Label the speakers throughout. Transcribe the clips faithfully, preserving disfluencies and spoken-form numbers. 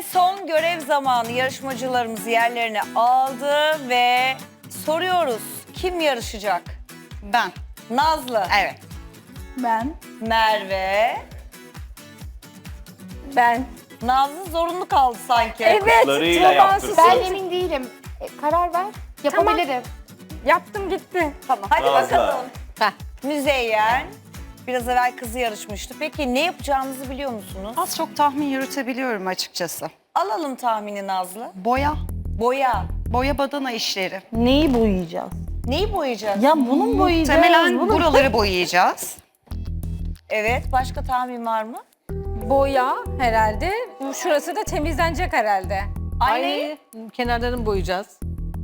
Speaker 1: son görev zamanı yarışmacılarımız yerlerini aldı ve soruyoruz. Kim yarışacak?
Speaker 2: Ben.
Speaker 1: Nazlı.
Speaker 2: Evet.
Speaker 3: Ben.
Speaker 1: Merve.
Speaker 3: Ben.
Speaker 1: Nazlı zorunlu kaldı sanki.
Speaker 3: Evet.
Speaker 4: Larıyla yaptırsın.
Speaker 5: Ben emin değilim. E, karar ver. Yapabilirim.
Speaker 3: Yaptım gitti.
Speaker 1: Tamam. Hadi
Speaker 4: Nazlı.
Speaker 1: bakalım.
Speaker 3: Heh.
Speaker 1: Müzeyyen. Biraz evvel kızı yarışmıştı. Peki ne yapacağımızı biliyor musunuz?
Speaker 2: Az çok tahmin yürütebiliyorum açıkçası.
Speaker 1: Alalım tahmini Nazlı.
Speaker 2: Boya.
Speaker 1: Boya.
Speaker 2: Boya badana işleri.
Speaker 3: Neyi boyayacağız?
Speaker 1: Neyi boyayacağız?
Speaker 3: Ya bunun boyayacağız.
Speaker 2: Muhtemelen
Speaker 3: bunun-
Speaker 2: buraları boyayacağız.
Speaker 1: Evet. Başka tahmin var mı?
Speaker 6: Boya herhalde. Bu şurası da temizlenecek herhalde.
Speaker 1: Ay, ne?
Speaker 6: Kenarlarını boyayacağız.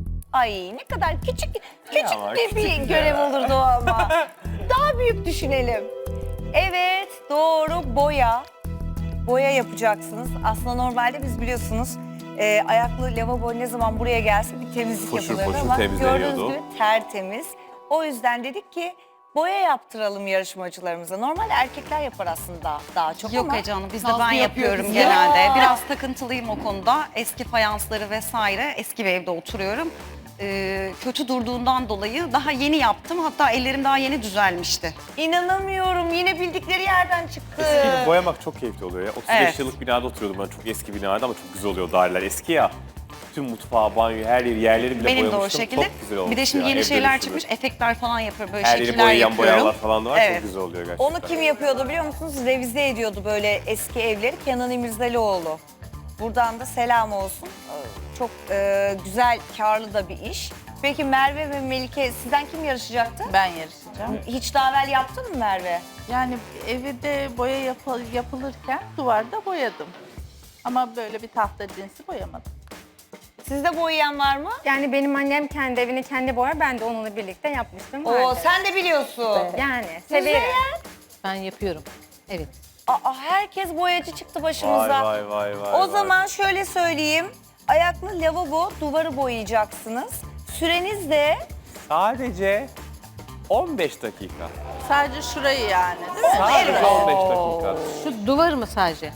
Speaker 1: Ay ne kadar küçük küçük
Speaker 4: ama
Speaker 1: de bir
Speaker 4: küçük
Speaker 1: görev
Speaker 4: ya.
Speaker 1: olurdu o ama. Daha büyük düşünelim. Evet doğru boya. Boya yapacaksınız. Aslında normalde biz biliyorsunuz e, ayaklı lavabo ne zaman buraya gelse bir temizlik
Speaker 4: Foşur
Speaker 1: yapılırdı
Speaker 4: foşur
Speaker 1: ama
Speaker 4: temizleniyordu.
Speaker 1: gördüğünüz gibi tertemiz. O yüzden dedik ki boya yaptıralım yarışmacılarımıza. Normalde erkekler yapar aslında daha, daha çok
Speaker 2: Yok
Speaker 1: ama.
Speaker 2: Ece Hanım, biz de
Speaker 1: Nazlı
Speaker 2: ben
Speaker 1: yapıyor
Speaker 2: yapıyorum
Speaker 1: kızım.
Speaker 2: genelde.
Speaker 1: Ya.
Speaker 2: Biraz takıntılıyım o konuda. Eski fayansları vesaire, eski bir evde oturuyorum. Ee, kötü durduğundan dolayı daha yeni yaptım. Hatta ellerim daha yeni düzelmişti.
Speaker 1: İnanamıyorum yine bildikleri yerden çıktı.
Speaker 4: Eski boyamak çok keyifli oluyor ya. otuz beş
Speaker 2: Evet.
Speaker 4: yıllık binada oturuyordum ben, çok eski binada ama çok güzel oluyor daireler. Eski ya. Bütün mutfağı, banyo, her yeri, yerleri bile
Speaker 2: Benim de o
Speaker 4: boyamıştım.
Speaker 2: şekilde.
Speaker 4: Çok güzel olmuş
Speaker 2: Bir de şimdi
Speaker 4: ya,
Speaker 2: yeni
Speaker 4: ev
Speaker 2: şeyler
Speaker 4: dönüşümü.
Speaker 2: çıkmış. Efektler falan yapıyorum. Böyle
Speaker 4: Her yeri
Speaker 2: şekiller
Speaker 4: boyayan
Speaker 2: yapıyorum.
Speaker 4: boyalar falan da var.
Speaker 2: Evet.
Speaker 4: Çok güzel oluyor gerçekten.
Speaker 1: Onu kim yapıyordu biliyor musunuz? Revize ediyordu böyle eski evleri Kenan İmirzalıoğlu. Buradan da selam olsun. Ee, Çok e, güzel, karlı da bir iş. Peki Merve ve Melike sizden kim yarışacaktı?
Speaker 3: Ben yarışacağım.
Speaker 1: Hiç daha evvel yaptın mı Merve?
Speaker 3: Yani evde boya yapı- yapılırken duvarda boyadım. Ama böyle bir tahta cinsi boyamadım.
Speaker 1: Sizde boyayan var mı?
Speaker 5: Yani benim annem kendi evini kendi boyar. Ben de onunla birlikte yapmıştım.
Speaker 1: Oo,
Speaker 5: vardı.
Speaker 1: sen de biliyorsun.
Speaker 5: Yani severim.
Speaker 1: Müzeyyen.
Speaker 6: Ben yapıyorum. Evet.
Speaker 1: Aa, herkes boyacı çıktı başımıza.
Speaker 4: Vay vay vay vay.
Speaker 1: O
Speaker 4: vay.
Speaker 1: zaman şöyle söyleyeyim. Ayaklı lavabo duvarı boyayacaksınız. Süreniz de
Speaker 4: Sadece on beş dakika.
Speaker 3: Sadece şurayı yani değil mi?
Speaker 4: Sadece
Speaker 1: Evet.
Speaker 4: on beş dakika.
Speaker 6: Şu duvar mı sadece?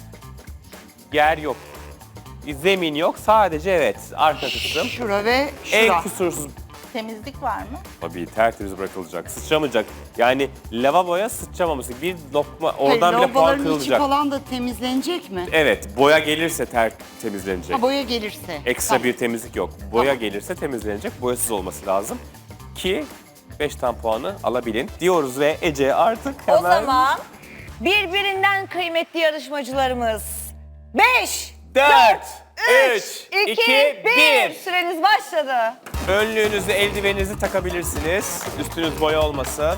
Speaker 4: Yer yok. Zemin yok. Sadece evet. Arka kısım.
Speaker 2: Şura ve şura.
Speaker 4: En kusursuz.
Speaker 3: Temizlik var mı?
Speaker 4: Tabii tertemiz bırakılacak. Sıçramayacak. Yani lavaboya sıçramaması. Bir lokma oradan bile puan
Speaker 7: Lavaboların içi
Speaker 4: kırılacak.
Speaker 7: falan da temizlenecek mi?
Speaker 4: Evet. Boya gelirse ter temizlenecek.
Speaker 7: Ha, boya gelirse.
Speaker 4: Ekstra
Speaker 7: Tamam.
Speaker 4: bir temizlik yok. Boya gelirse temizlenecek. Boyasız olması lazım. Ki beş tam puanı alabilin diyoruz ve Ece artık hemen...
Speaker 1: o zaman birbirinden kıymetli yarışmacılarımız. Beş,
Speaker 4: dört,
Speaker 1: üç,
Speaker 4: üç,
Speaker 1: iki,
Speaker 4: iki,
Speaker 1: bir.
Speaker 4: bir.
Speaker 1: Süreniz başladı.
Speaker 4: Önlüğünüzü, eldiveninizi takabilirsiniz. Üstünüz boya olmasın.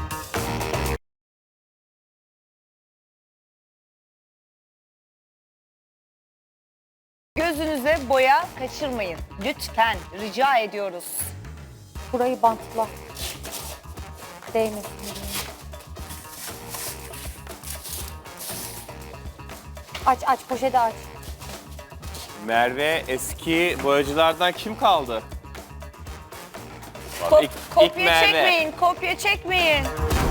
Speaker 1: Gözünüze boya kaçırmayın. Lütfen rica ediyoruz.
Speaker 5: Burayı bantla. Değmesin. Aç aç poşeti aç.
Speaker 4: Merve, eski boyacılardan kim kaldı?
Speaker 1: Kop-
Speaker 4: İlk- ilk
Speaker 1: kopya
Speaker 4: Merve.
Speaker 1: çekmeyin, kopya çekmeyin.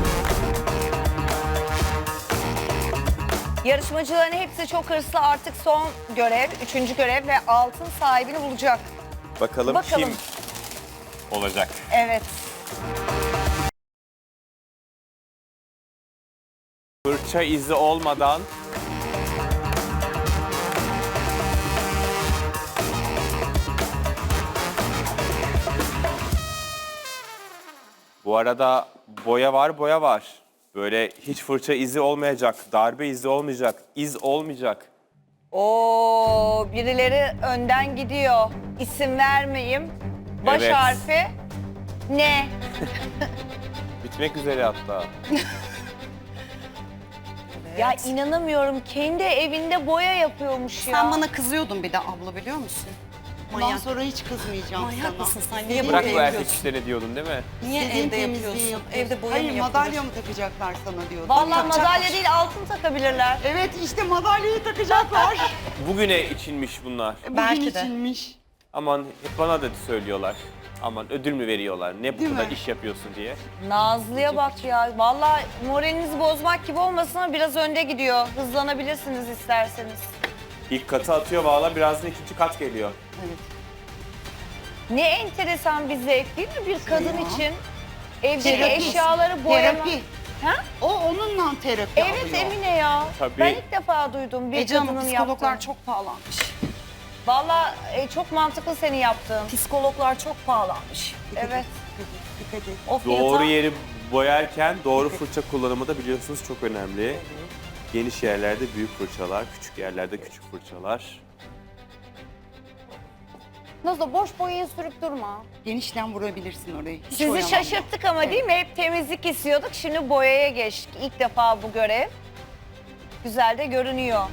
Speaker 1: Yarışmacıların hepsi çok hırslı. Artık son görev, üçüncü görev ve altın sahibini bulacak.
Speaker 4: Bakalım,
Speaker 1: Bakalım.
Speaker 4: kim olacak?
Speaker 1: Evet.
Speaker 4: Fırça izi olmadan bu arada boya var, boya var. Böyle hiç fırça izi olmayacak, darbe izi olmayacak, iz olmayacak.
Speaker 1: Oo, birileri önden gidiyor. İsim vermeyeyim. Baş
Speaker 4: Evet.
Speaker 1: harfi ne?
Speaker 4: Bitmek üzere hatta.
Speaker 1: Ya inanamıyorum. Kendi evinde boya yapıyormuş ya.
Speaker 2: Sen bana kızıyordun bir de abla biliyor musun?
Speaker 7: Bundan
Speaker 2: Manyak.
Speaker 7: sonra hiç kızmayacağım
Speaker 2: Manyak
Speaker 7: sana.
Speaker 2: mısın sen? Niye
Speaker 4: Bırak
Speaker 2: boya
Speaker 4: bu erkek
Speaker 2: yapıyorsun?
Speaker 4: işlerini diyordun değil mi?
Speaker 2: Niye
Speaker 7: İstediğin
Speaker 2: evde
Speaker 7: temizliği
Speaker 2: yapıyorsun?
Speaker 7: yapıyorsun.
Speaker 2: Evde boya
Speaker 7: Hayır,
Speaker 2: mı
Speaker 7: madalya
Speaker 2: yapılır?
Speaker 7: mı takacaklar sana diyordum.
Speaker 1: Vallahi
Speaker 7: Takacaklar.
Speaker 1: madalya değil altın takabilirler.
Speaker 7: Evet, işte madalyayı takacaklar.
Speaker 4: Bugüne içilmiş bunlar.
Speaker 7: Bugün
Speaker 2: Belki de.
Speaker 7: içinmiş.
Speaker 4: Aman hep bana da söylüyorlar. Aman ödül mü veriyorlar? Ne bu
Speaker 7: Değil
Speaker 4: kadar
Speaker 7: mi?
Speaker 4: iş yapıyorsun diye.
Speaker 1: Nazlı'ya bak ya. Vallahi moralinizi bozmak gibi olmasın ama biraz önde gidiyor. Hızlanabilirsiniz isterseniz.
Speaker 4: İlk katı atıyor valla birazdan ikinci kat geliyor.
Speaker 7: Evet.
Speaker 1: Ne enteresan bir zevk değil mi bir kadın
Speaker 7: Ya.
Speaker 1: için? Evdeki
Speaker 7: Terapi.
Speaker 1: eşyaları boyama.
Speaker 7: Terapi.
Speaker 1: Ha?
Speaker 7: O onunla terapi
Speaker 1: Evet
Speaker 7: alıyor.
Speaker 1: Emine ya.
Speaker 4: Tabii.
Speaker 1: Ben ilk defa duydum bir
Speaker 2: Ece Hanım
Speaker 1: kadının
Speaker 2: psikologlar
Speaker 1: yaptığını.
Speaker 2: çok pahalanmış.
Speaker 1: Valla e, çok mantıklı senin yaptığın.
Speaker 2: Psikologlar çok pahalanmış.
Speaker 1: Evet.
Speaker 7: Dikkat et.
Speaker 2: O fiyata
Speaker 4: Doğru yeri boyarken doğru fırça kullanımı da biliyorsunuz çok önemli. Geniş yerlerde büyük fırçalar, küçük yerlerde küçük fırçalar.
Speaker 5: Nazo boş boyayı sürüp durma.
Speaker 7: Genişten vurabilirsin orayı. Hiç
Speaker 1: Sizi
Speaker 7: oyalanma.
Speaker 1: şaşırttık ama değil mi? Hep temizlik istiyorduk. Şimdi boyaya geçtik. İlk defa bu görev. Güzel de görünüyor.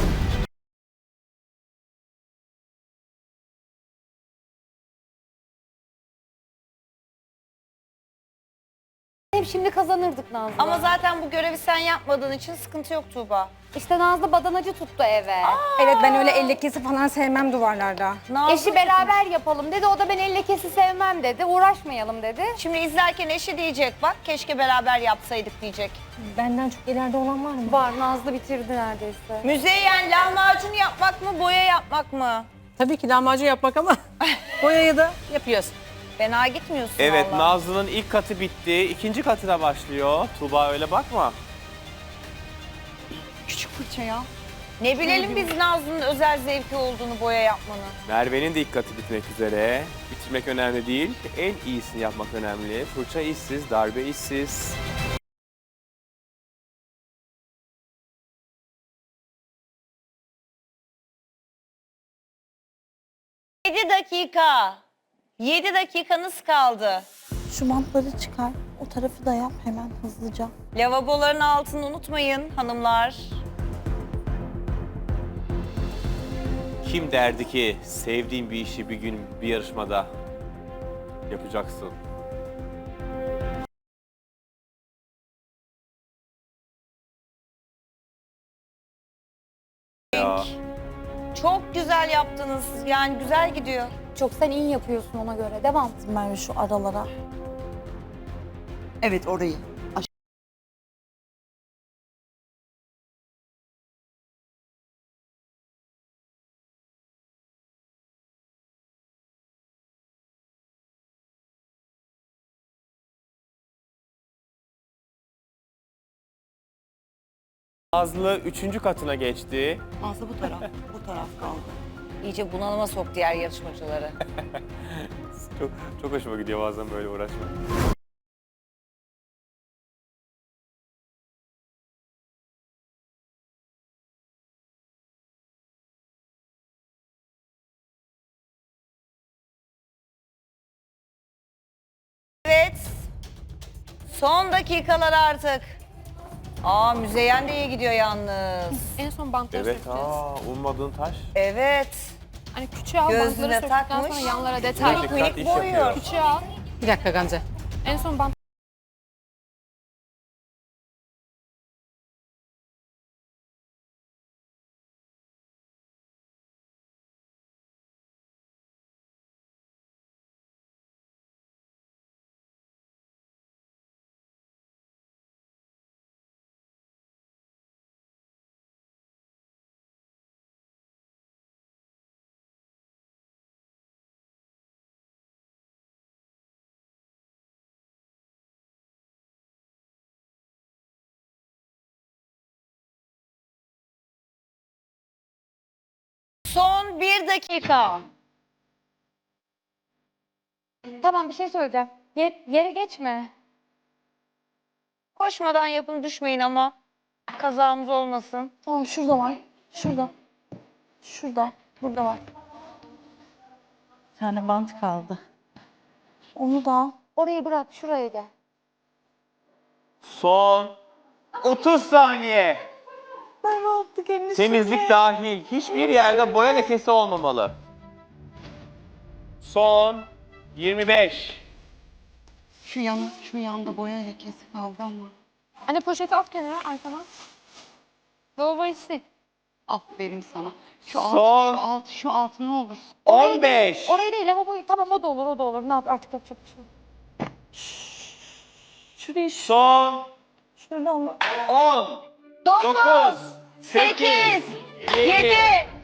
Speaker 5: Hep şimdi kazanırdık Nazlı.
Speaker 1: Ama zaten bu görevi sen yapmadığın için sıkıntı yok Tuğba.
Speaker 5: İşte Nazlı badanacı tuttu eve.
Speaker 6: Evet ben öyle el lekesi falan sevmem duvarlarda.
Speaker 1: Nazlı
Speaker 5: Eşi beraber yapalım dedi. O da ben el lekesi sevmem dedi. Uğraşmayalım dedi.
Speaker 1: Şimdi izlerken eşi diyecek bak keşke beraber yapsaydık diyecek.
Speaker 6: Benden çok ileride olan var mı?
Speaker 5: Var, Nazlı bitirdi neredeyse.
Speaker 1: Müzeyyen lahmacun yapmak mı boya yapmak mı?
Speaker 8: Tabii ki lahmacun yapmak ama boyayı da yapıyoruz.
Speaker 1: Fena gitmiyorsun
Speaker 4: Evet
Speaker 1: vallahi.
Speaker 4: Nazlı'nın ilk katı bitti. İkinci katı da başlıyor. Tuğba öyle bakma.
Speaker 7: Küçük fırça ya.
Speaker 1: Ne bilelim biz Nazlı'nın özel zevki olduğunu boya yapmanın.
Speaker 4: Merve'nin de ilk katı bitmek üzere. Bitirmek önemli değil. En iyisini yapmak önemli. Fırça işsiz, darbe işsiz.
Speaker 1: yedi dakika. yedi dakikanız kaldı.
Speaker 9: Şu bantları çıkar. O tarafı da yap hemen hızlıca.
Speaker 1: Lavaboların altını unutmayın hanımlar.
Speaker 4: Kim derdi ki sevdiğin bir işi bir gün bir yarışmada yapacaksın? Ya.
Speaker 1: Çok güzel yaptınız. Yani güzel gidiyor.
Speaker 5: Çok sen iyi yapıyorsun ona göre. Devam.
Speaker 9: Merve şu aralara.
Speaker 7: Evet orayı. Aş-
Speaker 4: Nazlı üçüncü katına geçti.
Speaker 7: Nazlı bu taraf. Bu taraf kaldı.
Speaker 1: İyice bunalıma sok diğer yarışmacıları.
Speaker 4: Çok, çok hoşuma gidiyor bazen böyle uğraşmak.
Speaker 1: Evet. Son dakikalar artık. Aa Müzeyyen de iyi gidiyor yalnız.
Speaker 10: En son bantları
Speaker 4: Evet,
Speaker 10: sökeceğiz.
Speaker 4: aa, ummadığın taş.
Speaker 1: Evet.
Speaker 10: Hani küçüğe al,
Speaker 1: Gözüne
Speaker 10: bantları söktükten
Speaker 1: takmış.
Speaker 10: sonra yanlara detay.
Speaker 4: Dikkat
Speaker 1: minik
Speaker 4: iş
Speaker 1: boyuyor.
Speaker 4: yapıyor.
Speaker 10: Küçüğe al.
Speaker 8: Bir dakika Gamze.
Speaker 10: En son bant
Speaker 1: Son bir dakika.
Speaker 5: Tamam bir şey söyleyeceğim. Ye- yere geçme.
Speaker 1: Koşmadan yapın düşmeyin ama. Kazamız olmasın.
Speaker 9: Tamam şurada var. Şurada. Şurada. Burada var.
Speaker 3: Bir tane bant kaldı.
Speaker 9: Onu da al.
Speaker 5: Orayı bırak, şuraya gel.
Speaker 4: Son otuz saniye.
Speaker 9: Merve attık elini.
Speaker 4: Temizlik dahil. Hiçbir yerde boya lekesi olmamalı. Son yirmi beş.
Speaker 7: Şu yana, şu yanda boya lekesi kaldı ama.
Speaker 10: Anne poşeti at kenara arkana. Lavaboyu sil.
Speaker 7: Aferin sana. Şu alt,
Speaker 4: Son.
Speaker 7: şu alt, şu alt ne olur.
Speaker 4: on beş.
Speaker 10: Orayı değil lavaboyu. Tamam o da olur o da olur. Ne yap artık yapacak bir şey yok.
Speaker 9: Şurayı şu.
Speaker 4: Son
Speaker 9: Şurada ama.
Speaker 4: on. dokuz. sekiz. yedi.